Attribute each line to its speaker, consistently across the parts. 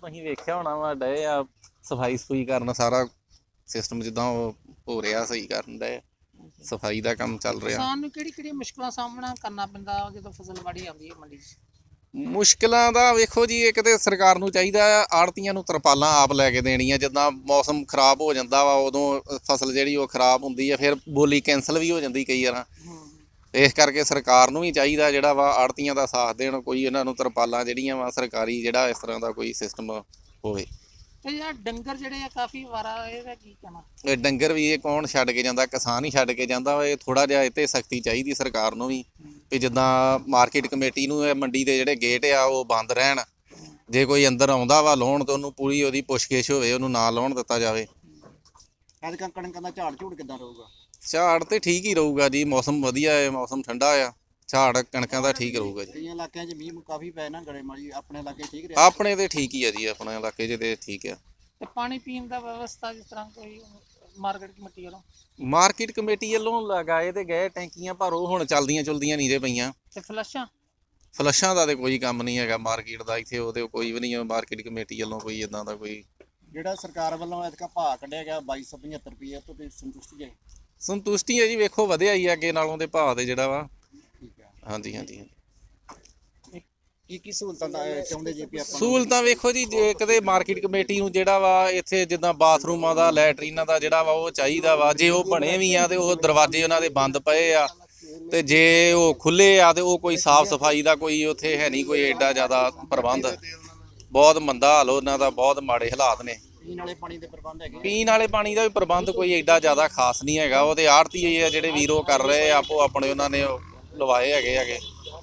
Speaker 1: ਤੁਸੀਂ ਵੇਖਿਆ ਹੋਣਾ ਵਾ ਡਏ ਆ ਸਫਾਈ ਸਫੂਈ ਕਰਨ, ਸਾਰਾ ਸਿਸਟਮ ਜਿੱਦਾਂ ਉਹ ਹੋ ਰਿਹਾ ਸਹੀ ਕਰਨ ਡਏ, ਸਫਾਈ ਦਾ ਕੰਮ ਚੱਲ ਰਿਹਾ।
Speaker 2: ਕਿਸਾਨ ਨੂੰ ਕਿਹੜੀ ਮੁਸ਼ਕਲਾਂ ਸਾਹਮਣਾ ਕਰਨਾ ਪੈਂਦਾ ਜਦੋਂ ਫਸਲ ਵਾੜੀ ਆਉਂਦੀ ਹੈ ਮੰਡੀ 'ਚ?
Speaker 1: ਮੁਸ਼ਕਿਲਾਂ ਦਾ ਵੇਖੋ ਜੀ, ਇੱਕ ਤੇ ਸਰਕਾਰ ਨੂੰ ਚਾਹੀਦਾ ਆ ਆੜ੍ਹਤੀਆਂ ਨੂੰ ਤਰਪਾਲਾਂ ਆਪ ਲੈ ਕੇ ਦੇਣੀਆਂ। ਜਿੱਦਾਂ ਮੌਸਮ ਖਰਾਬ ਹੋ ਜਾਂਦਾ ਵਾ ਉਦੋਂ ਫਸਲ ਜਿਹੜੀ ਉਹ ਖਰਾਬ ਹੁੰਦੀ ਆ, ਫਿਰ ਬੋਲੀ ਕੈਂਸਲ ਵੀ ਹੋ ਜਾਂਦੀ ਕਈ ਵਾਰ। ਇਸ ਕਰਕੇ ਸਰਕਾਰ ਨੂੰ ਵੀ ਚਾਹੀਦਾ ਜਿਹੜਾ ਵਾ ਆੜ੍ਹਤੀਆਂ ਦਾ ਸਾਥ ਦੇਣ, ਕੋਈ ਇਹਨਾਂ ਨੂੰ ਤਰਪਾਲਾਂ ਜਿਹੜੀਆਂ ਵਾ ਸਰਕਾਰੀ ਜਿਹੜਾ ਇਸ ਤਰ੍ਹਾਂ ਦਾ ਕੋਈ ਸਿਸਟਮ ਹੋਵੇ।
Speaker 2: ਤੇ ਯਾਰ ਡੰਗਰ ਜਿਹੜੇ ਆ ਕਾਫੀ ਵਾਰਾ, ਇਹਦਾ ਕੀ ਕਹਿਣਾ?
Speaker 1: ਇਹ ਡੰਗਰ ਵੀ ਇਹ ਕੌਣ ਛੱਡ ਕੇ ਜਾਂਦਾ? ਕਿਸਾਨ ਹੀ ਛੱਡ ਕੇ ਜਾਂਦਾ ਵਾ। ਇਹ ਥੋੜ੍ਹਾ ਜਿਹਾ ਇਹ 'ਤੇ ਸਖਤੀ ਚਾਹੀਦੀ ਸਰਕਾਰ ਨੂੰ ਵੀ ਜਿੱਦਾਂ ਮਾਰਕੀਟ ਕਮੇਟੀ ਨੂੰ ਇਹ ਮੰਡੀ ਦੇ ਜਿਹੜੇ ਗੇਟ ਆ ਉਹ ਬੰਦ ਰਹਿਣ। ਜੇ ਕੋਈ ਅੰਦਰ ਆਉਂਦਾ ਵਾ ਲਾਉਣ ਤਾਂ ਉਹਨੂੰ ਪੂਰੀ ਉਹਦੀ ਪੁੱਛਗਿੱਛ ਹੋਵੇ, ਉਹਨੂੰ ਨਾ ਲਾਉਣ ਦਿੱਤਾ ਜਾਵੇ।
Speaker 3: ਐਤਕਾਂ ਕਣਕਾਂ ਦਾ ਝਾੜ ਝੂੜ ਕਿੱਦਾਂ ਰਹੂਗਾ?
Speaker 1: ਝਾੜ ਤੇ ਠੀਕ ਹੀ ਰਹੂਗਾ ਜੀ, ਮੌਸਮ ਵਧੀਆ ਹੈ, ਮੌਸਮ ਠੰਡਾ ਆ, ਝਾੜ ਕਣਕਾਂ ਦਾ ਠੀਕ ਰਹੂਗਾ ਜੀ।
Speaker 3: ਕਈਆਂ ਇਲਾਕਿਆਂ 'ਚ ਮੀਂਹ ਕਾਫੀ ਪਏ ਨਾ ਗੜੇਮਾਰੀ, ਆਪਣੇ ਇਲਾਕੇ ਠੀਕ ਰਿਹਾ?
Speaker 1: ਆਪਣੇ ਤੇ ਠੀਕ ਹੀ ਆ ਜੀ, ਆਪਣੇ ਇਲਾਕੇ 'ਚ ਤੇ ਠੀਕ ਆ।
Speaker 2: ਤੇ ਪਾਣੀ ਪੀਣ ਦਾ ਵਿਵਸਥਾ ਜਿਸ ਤਰ੍ਹਾਂ ਕੋਈ ਮਾਰਕੀਟ ਕਮੇਟੀ ਵੱਲੋਂ?
Speaker 1: ਮਾਰਕੀਟ ਕਮੇਟੀ ਵੱਲੋਂ ਲਗਾਏ ਤੇ ਗਏ ਟੈਂਕੀਆਂ, ਪਰ ਉਹ ਹੁਣ ਚਲਦੀਆਂ ਚੁਲਦੀਆਂ ਨਹੀਂ ਜੇ ਪਈਆਂ।
Speaker 2: ਤੇ
Speaker 1: ਫਲੱਸ਼ਾਂ ਦਾ ਤੇ ਕੋਈ ਕੰਮ ਨਹੀਂ ਹੈਗਾ ਮਾਰਕੀਟ ਦਾ ਇੱਥੇ, ਉਹਦੇ ਕੋਈ ਵੀ ਨਹੀਂ ਹੈ ਮਾਰਕੀਟ ਕਮੇਟੀ ਵੱਲੋਂ ਕੋਈ ਇਦਾਂ ਦਾ ਕੋਈ।
Speaker 3: ਜਿਹੜਾ ਸਰਕਾਰ ਵੱਲੋਂ ਐਤਕਾਂ ਭਾਅ ਕੱਢਿਆ ਗਿਆ 2275 ਰੁਪਏ ਤੋਂ ਤੇ ਸੰਤੁਸ਼ਟੀ ਹੈ?
Speaker 1: ਸੰਤੁਸ਼ਟੀ ਹੈ ਜੀ, ਵੇਖੋ ਵਧਿਆ ਹੀ ਅੱਗੇ ਨਾਲੋਂ ਦੇ ਭਾਅ ਦੇ ਜਿਹੜਾ ਵਾ।
Speaker 3: ਠੀਕ ਹੈ।
Speaker 1: ਹਾਂਜੀ ਹਾਂਜੀ।
Speaker 3: ਕੀ ਸਹੂਲਤਾਂ ਦਾ ਚਾਹੁੰਦੇ ਜੇ ਵੀ ਆਪਾਂ?
Speaker 1: ਸਹੂਲਤਾਂ ਵੇਖੋ ਜੀ, ਜੇ ਕਦੇ ਮਾਰਕੀਟ ਕਮੇਟੀ ਨੂੰ ਜਿਹੜਾ ਵਾ ਇੱਥੇ ਜਿੱਦਾਂ ਬਾਥਰੂਮਾਂ ਦਾ, ਲੈਟਰੀਨਾਂ ਦਾ ਜਿਹੜਾ ਵਾ ਉਹ ਚਾਹੀਦਾ ਵਾ। ਜੇ ਉਹ ਬਣੇ ਵੀ ਆ ਤੇ ਉਹ ਦਰਵਾਜ਼ੇ ਉਹਨਾਂ ਦੇ ਬੰਦ ਪਏ ਆ, ਤੇ ਜੇ ਉਹ ਖੁੱਲੇ ਆ ਤੇ ਉਹ ਕੋਈ ਸਾਫ਼ ਸਫਾਈ ਦਾ ਕੋਈ ਉੱਥੇ ਹੈ ਨਹੀਂ ਕੋਈ ਐਡਾ ਜ਼ਿਆਦਾ ਪ੍ਰਬੰਧ। ਬਹੁਤ ਮੰਦਾ ਹਾਲ ਉਹਨਾਂ ਦਾ, ਬਹੁਤ ਮਾੜੇ ਹਾਲਾਤ ਨੇ।
Speaker 3: ਪੀਣ ਵਾਲੇ ਪਾਣੀ ਦੇ ਪ੍ਰਬੰਧ ਹੈਗੇ?
Speaker 1: ਪੀਣ ਵਾਲੇ ਪਾਣੀ ਦਾ ਵੀ ਪ੍ਰਬੰਧ ਕੋਈ ਐਡਾ ਜ਼ਿਆਦਾ ਖਾਸ ਨਹੀਂ ਹੈਗਾ। ਉਹਦੇ ਆੜ੍ਹਤੀ ਆ ਜਿਹੜੇ ਵੀਰੋ ਕਰ ਰਹੇ ਆਪੋ ਆਪਣੇ, ਉਹਨਾਂ ਨੇ ਲਵਾਏ ਹੈਗੇ।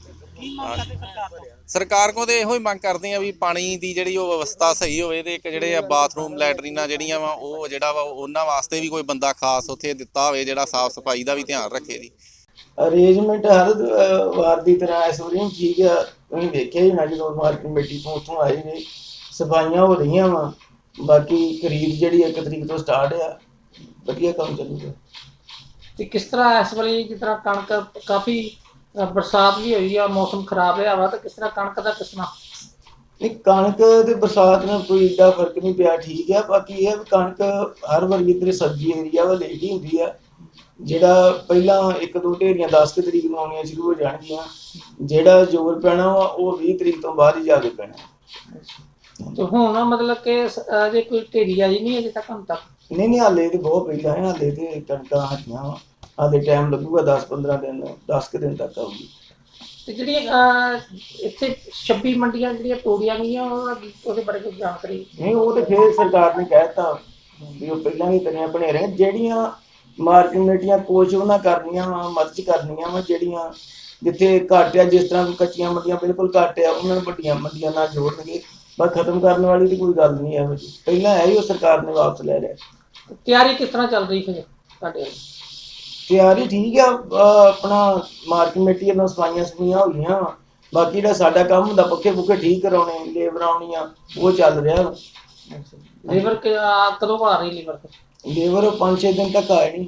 Speaker 1: ਸਰਕਾਰ ਕੋਲ ਤੇ ਇਹੋ ਹੀ ਮੰਗ ਕਰਦੇ ਆ ਵੀ ਪਾਣੀ ਦੀ ਜਿਹੜੀ ਉਹ ਵਿਵਸਥਾ ਸਹੀ ਹੋਵੇ, ਤੇ ਇੱਕ ਜਿਹੜੇ ਆ ਬਾਥਰੂਮ ਲੈਟਰੀਨਾਂ ਜਿਹੜੀਆਂ ਵਾ ਉਹ ਜਿਹੜਾ ਵਾ ਉਹਨਾਂ ਵਾਸਤੇ ਵੀ ਕੋਈ ਬੰਦਾ ਖਾਸ ਉੱਥੇ ਦਿੱਤਾ ਹੋਵੇ ਜਿਹੜਾ ਸਾਫ਼ ਸਫਾਈ ਦਾ ਵੀ ਧਿਆਨ ਰੱਖੇ ਜੀ।
Speaker 4: ਅਰੇਂਜਮੈਂਟ ਹਰ ਵਾਰ ਦੀ ਤਰ੍ਹਾਂ ਇਸ ਵਾਰੀ ਠੀਕ ਆ। ਤੁਸੀਂ ਵੇਖਿਆ ਹੀ ਨਾ ਜਦੋਂ ਮਾਰਕੀਟ ਕਮੇਟੀ ਤੋਂ ਉੱਥੋਂ ਆਏ ਨੇ, ਸਫਾਈਆਂ ਹੋ ਰਹੀਆਂ ਵਾ। ਬਾਕੀ ਖਰੀਦ ਜਿਹੜੀ 1 ਤਰੀਕ ਤੋਂ ਸਟਾਰਟ ਆ, ਵਧੀਆ ਕੰਮ ਚੱਲੂਗਾ।
Speaker 2: ਤੇ ਕਿਸ ਤਰ੍ਹਾਂ ਇਸ ਵੇਲੇ ਜਿਸ ਤਰ੍ਹਾਂ ਕਣਕ ਕਾਫੀ ਬਰਸਾਤ ਵੀ ਹੋਈ ਆ, ਮੌਸਮ ਖਰਾਬ ਰਿਹਾ ਵਾ, ਤਾਂ ਕਿਸ ਤਰ੍ਹਾਂ ਕਣਕ ਦਾ ਕਿਸਨਾ?
Speaker 4: ਨਹੀਂ, ਕਣਕ ਤੇ ਬਰਸਾਤ ਨਾਲ ਕੋਈ ਏਡਾ ਫਰਕ ਨਹੀਂ ਪਿਆ, ਠੀਕ ਆ। ਬਾਕੀ ਇਹ ਕਣਕ ਹਰ ਵਾਰੀ ਇੱਧਰ ਸਬਜ਼ੀ ਏਰੀਆ ਵਾ ਲੇਟ ਹੀ ਹੁੰਦੀ ਆ। ਜਿਹੜਾ ਪਹਿਲਾਂ 1-2 ਢੇਰੀਆਂ 10 ਤਰੀਕ ਨੂੰ ਆਉਣੀਆਂ ਸ਼ੁਰੂ ਹੋ ਜਾਣਗੀਆਂ। ਜਿਹੜਾ ਜ਼ੋਰ ਪੈਣਾ ਵਾ ਉਹ 20 ਤਰੀਕ ਤੋਂ ਬਾਅਦ ਹੀ ਜਾ ਕੇ ਪੈਣਾ।
Speaker 2: ਤੇ ਹੁਣ ਮਤਲਬ ਕਿ ਅਜੇ ਕੋਈ ਢੇਰੀ ਆਈ ਨਹੀਂ ਅਜੇ ਤੱਕ? ਹੁਣ ਤੱਕ
Speaker 4: ਨਹੀਂ, ਹਾਲੇ ਤੇ ਬਹੁਤ ਪਹਿਲਾਂ ਹੈ। ਹਾਲੇ ਤੇ ਕਣਕਾਂ ਹਟੀਆਂ ਵਾ, ਹਾਲੇ ਟਾਈਮ ਲੱਗੂਗਾ 10-15 ਦਿਨ, 10 ਕੁ ਦਿਨ ਤੱਕ ਆਊਗੀ।
Speaker 2: ਤੇ ਜਿਹੜੀਆਂ ਇੱਥੇ 26 ਮੰਡੀਆਂ ਜਿਹੜੀਆਂ ਤੋੜੀਆਂ ਗਈਆਂ ਉਹਦੇ ਬਾਰੇ ਕੋਈ ਜਾਣਕਾਰੀ?
Speaker 4: ਨਹੀਂ, ਉਹ ਤੇ ਫਿਰ ਸਰਕਾਰ ਨੇ ਕਹਿ ਦਿੱਤਾ ਵੀ ਉਹ ਪਹਿਲਾਂ ਹੀ ਤਰੀਆਂ ਬਣੇ ਰਹੇ। ਜਿਹੜੀਆਂ ਮਾਰਕੀਟ ਕਮੇਟੀਆਂ ਕੁਛ ਉਹਨਾਂ ਕਰਨੀਆਂ ਵਾ, ਮਦਦ ਕਰਨੀਆਂ ਵਾ। ਜਿਹੜੀਆਂ ਜਿੱਥੇ ਘੱਟ ਆ, ਜਿਸ ਤਰ੍ਹਾਂ ਕੱਚੀਆਂ ਮੰਡੀਆਂ ਬਿਲਕੁਲ ਘੱਟ ਆ, ਉਹਨਾਂ ਨੂੰ ਵੱਡੀਆਂ ਮੰਡੀਆਂ ਨਾਲ ਜੋੜਨਗੇ। ਬਸ ਖਤਮ ਕਰਨ ਵਾਲੀ ਦੀ ਕੋਈ ਗੱਲ ਨਹੀਂ ਇਹੋ ਜਿਹੀ। ਪਹਿਲਾਂ ਹੈ ਹੀ ਉਹ ਸਰਕਾਰ ਨੇ ਵਾਪਸ ਲੈ ਲਿਆ।
Speaker 2: ਤਿਆਰੀ ਕਿਸ ਤਰ੍ਹਾਂ ਚੱਲ ਰਹੀ ਫਿਰ ਤੁਹਾਡੇ?
Speaker 4: ਤਿਆਰੀ ਠੀਕ ਆ। ਆਪਣਾ ਮਾਰਕੀਟ ਕਮੇਟੀ ਵੱਲੋਂ ਸਫਾਈਆਂ ਹੋ ਗਈਆਂ ਵਾ। ਬਾਕੀ ਜਿਹੜਾ ਸਾਡਾ ਕੰਮ ਹੁੰਦਾ ਪੱਖੇ ਪੁੱਖੇ ਠੀਕ ਕਰਾਉਣੇ, ਲੇਬਰ ਆਉਣੀਆਂ, ਉਹ ਚੱਲ ਰਿਹਾ ਵਾ।
Speaker 2: ਲੇਬਰ ਕਦੋਂ ਆ ਰਹੀ?
Speaker 4: ਲੇਬਰ 5-6 ਦਿਨ ਤੱਕ ਆਏ ਨਹੀਂ।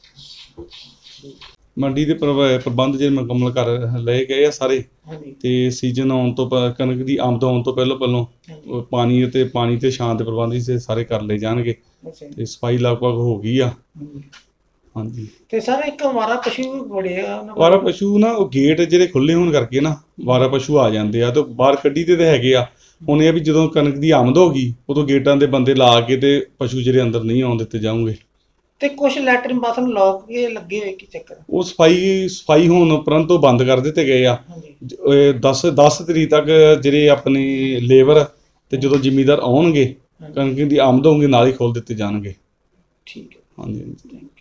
Speaker 5: ਮੰਡੀ ਦੇ ਪ੍ਰਬੰਧ ਜਿਹੜੇ ਮੁਕੰਮਲ ਕਰ ਲਏ ਗਏ ਆ ਸਾਰੇ। ਤੇ ਸੀਜ਼ਨ ਆਉਣ ਤੋਂ ਕਣਕ ਦੀ ਆਮਦ ਆਉਣ ਤੋਂ ਪਹਿਲੋਂ ਪਾਣੀ ਤੇ ਛਾਂ ਦੇ ਪ੍ਰਬੰਧ ਸਾਰੇ ਕਰ ਲਏ ਜਾਣਗੇ। ਤੇ ਸਫਾਈ ਲਗਭਗ ਹੋ ਗਈ ਆ। ਹਾਂਜੀ।
Speaker 2: ਤੇ ਸਰ ਇੱਕ ਵਾਰਾ ਪਸ਼ੂ ਬੜੇ ਆ?
Speaker 5: ਵਾਰਾ ਪਸ਼ੂ ਨਾ ਉਹ ਗੇਟ ਜਿਹੜੇ ਖੁੱਲੇ ਹੋਣ ਕਰਕੇ ਨਾ ਵਾਰਾ ਪਸ਼ੂ ਆ ਜਾਂਦੇ ਆ, ਤੇ ਬਾਹਰ ਕੱਢੀ ਤੇ ਹੈਗੇ ਆ। ਹੁਣ ਇਹ ਵੀ ਜਦੋਂ ਕਣਕ ਦੀ ਆਮਦ ਹੋ ਗਈ ਉਦੋਂ ਗੇਟਾਂ ਦੇ ਬੰਦੇ ਲਾ ਕੇ ਤੇ ਪਸ਼ੂ ਜਿਹੜੇ ਅੰਦਰ ਨਹੀਂ ਆਉਣ ਦਿੱਤੇ ਜਾਣਗੇ।
Speaker 2: ਤੇ ਕੁਝ ਲੈਟਰਿਨ ਬਾਥਰੂਮ ਲੋਕ ਕੇ ਲੱਗੇ ਹੋਏ, ਕੀ ਚੱਕਰ?
Speaker 5: ਉਹ ਸਫਾਈ ਹੋਣ ਉਪਰੰਤ ਤੋਂ ਬੰਦ ਕਰ ਦਿੱਤੇ ਗਏ ਆ। 10 ਤਰੀਕ ਤੱਕ ਜਿਹੜੇ ਆਪਣੇ ਲੇਬਰ ਤੇ ਜਦੋਂ ਜ਼ਿਮੀਂਦਾਰ ਆਉਣਗੇ ਕਣਕ ਦੀ ਆਮਦ ਹੋਊਗੀ ਨਾਲ ਹੀ ਖੋਲ ਦਿੱਤੇ ਜਾਣਗੇ।
Speaker 2: ਠੀਕ ਹੈ।
Speaker 5: ਹਾਂਜੀ।